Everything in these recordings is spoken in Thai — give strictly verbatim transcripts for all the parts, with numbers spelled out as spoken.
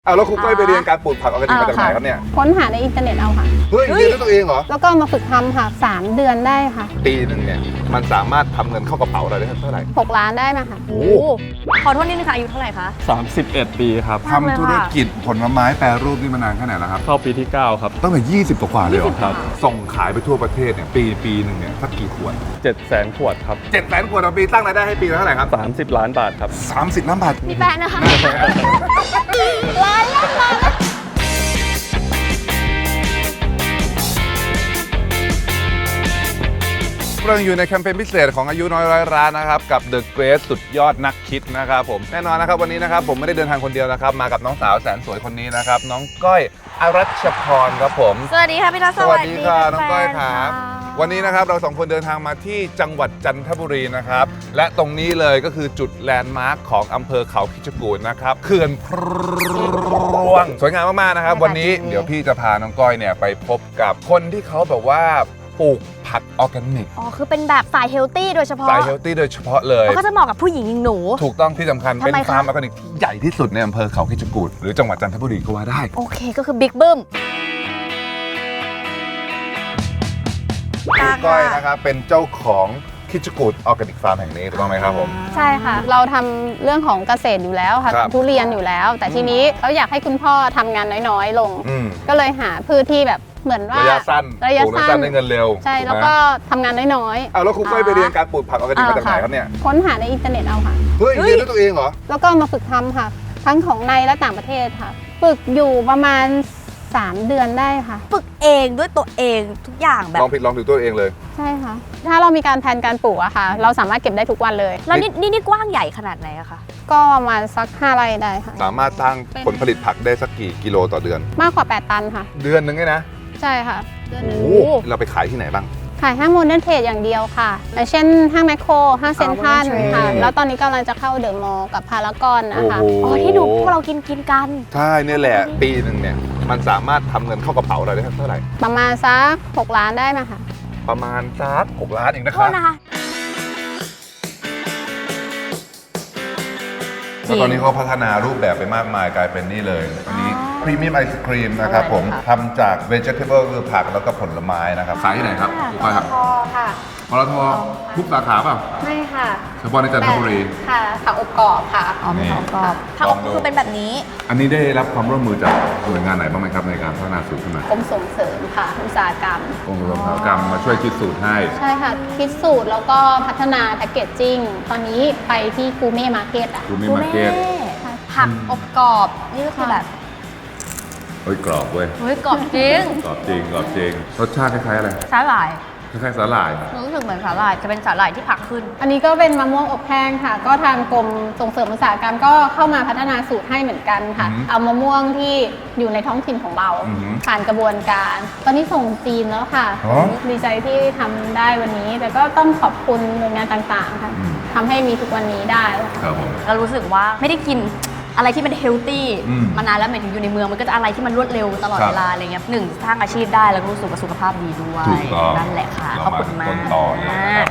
เอาแล้วครูก้อยไปเรียนการปลูกผักออร์แกนิกมาจากไหนครับเนี่ยค้นหาในอินเทอร์เน็ตเอาค่ะเฮ้ยเรียนด้วยตัวเองเหรอแล้วก็มาฝึกทำค่ะสามเดือนได้ค่ะปีหนึ่งเนี่ยมันสามารถทำเงินเข้ากระเป๋าเราได้เท่าไหร่หกล้านได้มาค่ะโอ้ขอโทษนิดนึงค่ะอายุเท่าไหร่คะสามสิบเอ็ดปีครับทำธุรกิจผลไม้แปรรูปนี่มานานแค่ไหนแล้วครับเข้าปีที่เก้าครับตั้งแต่ยี่สิบกว่าเลยเหรอครับส่งขายไปทั่วประเทศเนี่ยปีปีหนึ่งเนี่ยสักกี่ขวดเจ็ดแสนขวดครับเจ็ดแสนขวดต่อปีตั้งรายได้ให้ปีละเท่าไหร่ครับสามสิบล้านบาทครับสามสิบล้านบาทมีแฟนนะคะล้านล้านล้านเราอยู่ในแคมเปญพิเศษของอายุน้อยร้อยร้านนะครับกับ The Great สุดยอดนักคิดนะครับผมแน่นอนนะครับวันนี้นะครับผมไม่ได้เดินทางคนเดียวนะครับมากับน้องสาวแสนสวยคนนี้นะครับน้องก้อยอรัชพรครับผมสวัสดีค่ะพี่ทัศน์สวัสดีค่ะน้องก้อยครับวันนี้นะครับเราสองคนเดินทางมาที่จังหวัดจันทบุรีนะครับและตรงนี้เลยก็คือจุดแลนด์มาร์คของอำเภอเขาคิชกูฏนะครับเขื่อนพรวงสวยงามมากๆนะครับวันนี้เดี๋ยวพี่จะพาน้องก้อยเนี่ยไปพบกับคนที่เขาแบบว่าปลูกผักออร์แกนิกอ๋อคือเป็นแบบสายเฮลตี้โดยเฉพาะสายเฮลตี้โดยเฉพาะเลยก็จะเหมาะกับผู้หญิงอย่างหนูถูกต้องที่สำคัญเป็นฟาร์มออร์แกนิกที่ใหญ่ที่สุดในอำเภอเขาคิชกูฏหรือจังหวัดจันทบุรีก็ว่าได้โอเคก็คือบิ๊กบึ้มก้อยนะครับเป็นเจ้าของคิชกูฏออร์แกนิกฟาร์มแห่งนี้ถูกต้องไหมครับผมใช่ค่ะเราทำเรื่องของเกษตรอยู่แล้วค่ะทุเรียนอยู่แล้วแต่ทีนี้เราอยากให้คุณพ่อทำงานน้อยๆลงก็เลยหาพืชที่แบบเหมือนว่าระยะสั้นระยะสั้นได้เงินเร็วใช่แล้วก็ทำงานน้อยๆเอาแล้วครูก้อยไปเรียนการปลูกผักออร์แกนิกมาจากไหนครับเนี่ยค้นหาในอินเทอร์เน็ตเอาค่ะเฮ้ยเรียนด้วยตัวเองเหรอแล้วก็มาฝึกทำค่ะทั้งของในและต่างประเทศค่ะฝึกอยู่ประมาณสามเดือนได้ค่ะฝึกเองด้วยตัวเองทุกอย่างแบบลองผิดลองถูกตัวเองเลยใช่ค่ะถ้าเรามีการแผนการปลูกอะค่ะเราสามารถเก็บได้ทุกวันเลยแล้วนี่นี่นี่กว้างใหญ่ขนาดไหนอะคะก็ประมาณสักห้าไร่ได้ค่ะสามารถสร้างผลผลิตผักได้สักกี่กิโลต่อเดือนมากกว่าแปดตันค่ะเดือนนึงไงนะใช่ค่ะเดือนนึงเราไปขายที่ไหนบ้างขายห้างโมเดิร์นเทรดอย่างเดียวค่ะอย่างเช่นห้างแมคโครห้างเซ็นทรัลค่ะแล้วตอนนี้กำลังจะเข้าเดอะมอลล์กับพารากอนนะคะอ๋อที่ดูพวกเรากินกินกันใช่นี่แหละปีหนึ่งเนี่ยมันสามารถทำเงินเข้ากระเป๋าเราได้เท่าไหร่ประมาณสักหกล้านได้มาค่ะประมาณสักหกล้านเองนะครับแล้วตอนนี้เขาพัฒนารูปแบบไปมากมายกลายเป็นนี่เลยอันนี้พรีเมียมไอศครีมนะครับผมทำจากเวจิเทเบิลคือผักแล้วก็ผลไม้นะครับขายที่ไหนครับปตท.ค่ะปตท.ทุกสาขาเปล่าไม่ค่ะเฉพาะในจันทบุรีค่ะผักอบกรอบค่ะอ๋อผักอบกรอบผักอบคือเป็นแบบนี้อันนี้ได้รับความร่วมมือจากหน่วยงานไหนบ้างไหมครับในการพัฒนาสูตรขึ้นมากรมส่งเสริมค่ะอุตสาหกรรมกรมอุตสาหกรรมมาช่วยคิดสูตรให้ใช่ค่ะคิดสูตรแล้วก็พัฒนาแพคเกจจิ้งตอนนี้ไปที่กูเม่มาร์เก็ตอ่ะกูเม่มาร์เก็ตผักอบกรอบนี่ก็คือแบบเฮ้ยกรอบเว้ยเฮ้ยกรอบจริงกรอบจริงกรอบจริงรสชาติคล้ายๆอะไรสาหร่ายคล้ายๆสาหร่ายรู้สึกเหมือนสาหร่ายจะเป็นสาหร่ายที่ผักขึ้นอันนี้ก็เป็นมะม่วงอบแห้งค่ะก็ทางกรมส่งเสริมอุตสาหกรรมก็เข้ามาพัฒนาสูตรให้เหมือนกันค่ะเอามะม่วงที่อยู่ในท้องถิ่นของเราผ่านกระบวนการตอนนี้ส่งจีนแล้วค่ะดีใจที่ทำได้วันนี้แต่ก็ต้องขอบคุณหน่วยงานต่างๆค่ะทำให้มีทุกวันนี้ได้ครับผมเรารู้สึกว่าไม่ได้กินอะไรที่มันเฮลตี้มานานแล้วหมายถึงอยู่ในเมืองมันก็จะอะไรที่มันรวดเร็วตลอดเวลาอะไรเงี้ยหนึ่งสร้างอาชีพได้แล้วก็รู้สึกว่าสุขภาพดีด้วยนั่นแหละค่ะขอบคุณมากต่อเลย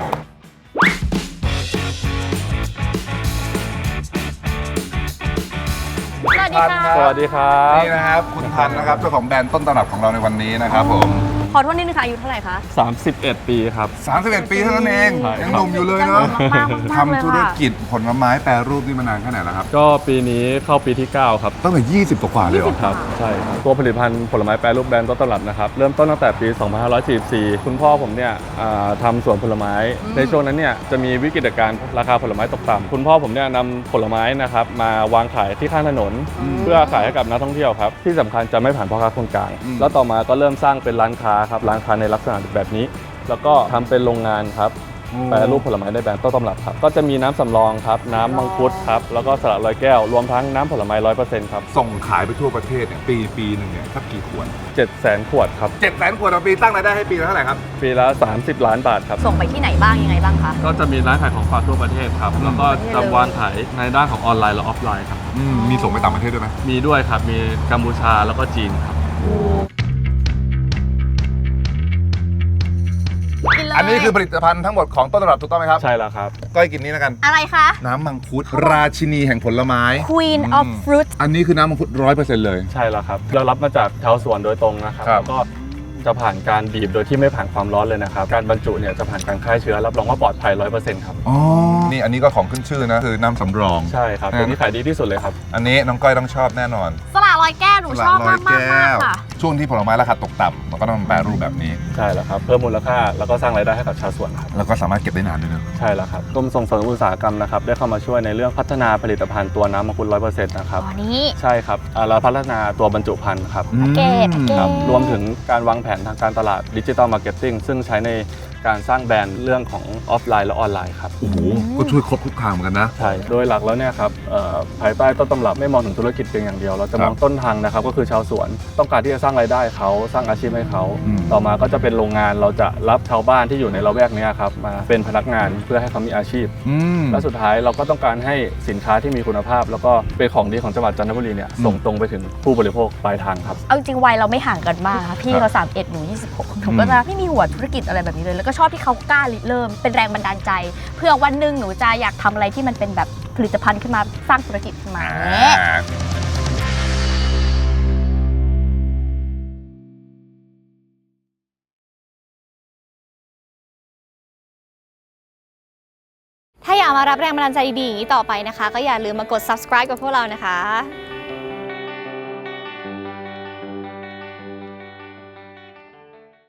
สวัสดีค่ะสวัสดีครับนี่นะครับคุณพันธ์นะครับเจ้าของแบรนด์ต้นตำรับของเราในวันนี้นะครับผมขอโทษนิดนึงค่ะอายุเท่าไหร่คะสามสิบเอ็ดปีครับสามสิบเอ็ดปีเท่านั้นเองยังหนุ่มอยู่เลยเนาะทำธุรกิจผลไม้แปรรูปนี่มานานแค่ไหนแล้วครับก็ปีนี้เข้าปีที่เก้าครับตั้งแต่ยี่สิบกว่าเลยเหรอครับใช่ครับตัวผลิตภัณฑ์ผลไม้แปรรูปแบรนด์ต้นตำรับนะครับเริ่มต้นตั้งแต่ปีสองพันห้าร้อยสี่สิบสี่คุณพ่อผมเนี่ยทำสวนผลไม้ในช่วงนั้นเนี่ยจะมีวิกฤตการณ์ราคาผลไม้ตกต่ำคุณพ่อผมเนี่ยนำผลไม้นะครับมาวางขายที่ข้างถนนเพื่อขายให้กับนักท่องเที่ยวครับที่สำคัญจะไม่ผ่านพ่อค้าคนกลางแล้วต่อมาก็เริ่มสร้างเป็นร้านค้าครับร้านค้าในลักษณะแบบนี้แล้วก็ทำเป็นโรงงานครับแปรรูปผลไม้ในแบรนด์ต้นตำรับครับก็จะมีน้ำสำรองครับน้ำมังคุดครับแล้วก็สลัดลอยแก้วรวมทั้งน้ำผลไม้ร้อยเปอร์เซ็นต์ครับส่งขายไปทั่วประเทศเนี่ยปีปีหนึ่งเนี่ยสักกี่ขวดเจ็ดแสนขวดครับเจ็ดแสนขวดต่อปีตั้งรายได้ให้ปีละเท่าไหร่ครับปีละสามสิบล้านบาทครับส่งไปที่ไหนบ้างยังไงบ้างคะก็จะมีร้านขายของฝากทั่วประเทศครับแล้วก็จะวางขายในด้านของออนไลน์และออฟไลน์ครับมีส่งไปต่างประเทศด้วยไหมมีด้วยครับมีกัมพูชาแล้วก็จีนครับกินเลยอันนี้คือผลิตภัณฑ์ทั้งหมดของต้นตำรับถูกต้องไหมครับใช่แล้วครับก้อยกินนี้แล้วกันอะไรคะน้ำมังคุดราชินีแห่งผลไม้ Queen อื of ม Fruit อันนี้คือน้ำมังคุดร้อยเปอร์เซ็นต์เลยใช่แล้วครับ เรารับมาจากชาวสวนโดยตรงนะครับครับแล้วก็จะผ่านการบีบโดยที่ไม่ผ่านความร้อนเลยนะครับ การบรรจุเนี่ยจะผ่านการฆ่าเชื้อรับรองว่าปลอดภัยร้อยเปอร์เซ็นต์ครับอ๋อ นี่อันนี้ก็ของขึ้นชื่อนะ คือน้ำสำรองใช่ครับตัวนี้ขายดีที่สุดเลยครับอันนี้น้องก้อยต้องชอบแน่นอนสละร้อยแก้วหนูชอบมากมากมากค่ะช่วงที่ผลไม้ราคาตกต่ำมันก็ต้องมาแปรรูปแบบนี้ใช่แล้วครับ เพิ่มมูลค่าแล้วก็สร้างรายได้ให้กับชาวสวนครับแล้วก็สามารถเก็บได้นานด้วยนะใช่แล้วครับกรมส่งเสริมอุตสาหกรรมนะครับได้เข้ามาช่วยในเรื่องพัฒนาผลิตภัณฑ์ตัวน้ำมังคุดร้อยเปอร์เซ็นต์นะครับอ๋อนี้ใช่ครับอ่าเราพัฒนาตัวบรรจุภัณฑ์ครับแพ็กเกจแพ็กเกครับจรวมถึงการวางแผนทางการตลาดดิจิตอลมาร์เก็ตติ้งซึ่งใช้ในการสร้างแบรนด์เรื่องของออฟไลน์และออนไลน์ครับโอ้โห ก็ช่วยครบทุกทางเหมือนกันนะใช่ โดยหลักแล้วเนี่ยครับเอ่อภายใต้ต้นตำรับไม่มองถึงธุรกิจเพียงอย่างเดียว เราจะมองครับต้นทางนะครับก็คือชาวสวน ต้องการที่จะสร้างรายได้เขาสร้างอาชีพให้เขาอืมต่อมาก็จะเป็นโรงงานเราจะรับชาวบ้านที่อยู่ในละแวกเนี้ยครับมาเป็นพนักงานเพื่อให้เขามีอาชีพอืมและสุดท้ายเราก็ต้องการให้สินค้าที่มีคุณภาพ แล้วก็เป็นของดีของจังหวัดจันทบุรีเนี่ยอืมส่งตรงไปถึงผู้บริโภคปลายทางครับเอาจริงๆวัยเราไม่ห่างกันมากค่ะพี่เขาสามเอ็ดหนูยี่สิบหกหนูก็จะไม่มีหัวธุรกิจอะไรแบบนี้เลย แล้วก็ชอบที่เขากล้าริเริ่มเป็นแรงบันดาลใจ เพื่อวันหนึ่งหนูจะอยากทำอะไรที่มันเป็นแบบผลิตภัณฑ์ขึ้นมาสร้างธุรกิจขึ้นมาอ่าถ้าอยากมารับแรงบันดาลใจดีๆอย่างนี้ต่อไปนะคะ ก็อย่าลืมมากด subscribe กับพวกเรานะคะ